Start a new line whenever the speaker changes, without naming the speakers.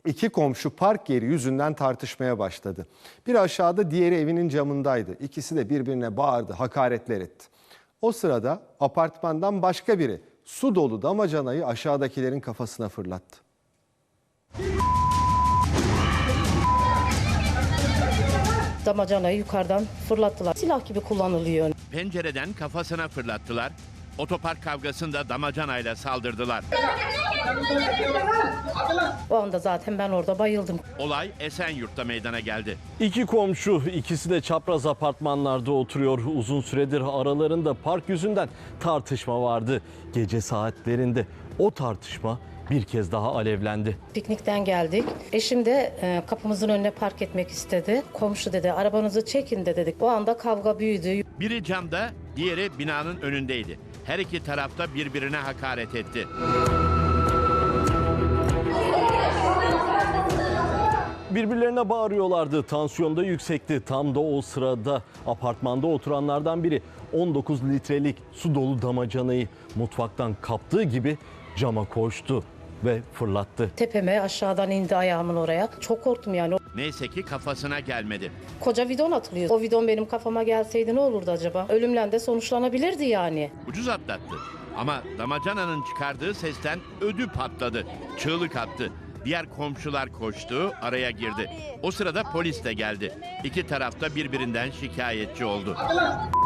İki komşu park yeri yüzünden tartışmaya başladı. Biri aşağıda, diğeri evinin camındaydı. İkisi de birbirine bağırdı, hakaretler etti. O sırada apartmandan başka biri su dolu damacanayı aşağıdakilerin kafasına fırlattı.
Damacanayı yukarıdan fırlattılar. Silah gibi kullanılıyor.
Pencereden kafasına fırlattılar. Otopark kavgasında damacanayla saldırdılar.
O anda zaten ben orada bayıldım.
Olay Esenyurt'ta meydana geldi.
İki komşu, ikisi de çapraz apartmanlarda oturuyor. Uzun süredir aralarında park yüzünden tartışma vardı. Gece saatlerinde o tartışma bir kez daha alevlendi.
Piknikten geldik. Eşim de kapımızın önüne park etmek istedi. Komşu dedi arabanızı çekin de dedik. O anda kavga büyüdü.
Biri camda, diğeri binanın önündeydi. Her iki tarafta birbirine hakaret etti.
Birbirlerine bağırıyorlardı. Tansiyon da yüksekti. Tam da o sırada apartmanda oturanlardan biri 19 litrelik su dolu damacanayı mutfaktan kaptığı gibi cama koştu ve fırlattı.
Tepeme aşağıdan indi ayağımın oraya. Çok korktum yani.
Neyse ki kafasına gelmedi.
Koca bidon atılıyor. O bidon benim kafama gelseydi ne olurdu acaba? Ölümle de sonuçlanabilirdi yani.
Ucuz atlattı. Ama damacananın çıkardığı sesten ödü patladı. Çığlık attı. Diğer komşular koştu, araya girdi. O sırada polis de geldi. İki taraf da birbirinden şikayetçi oldu.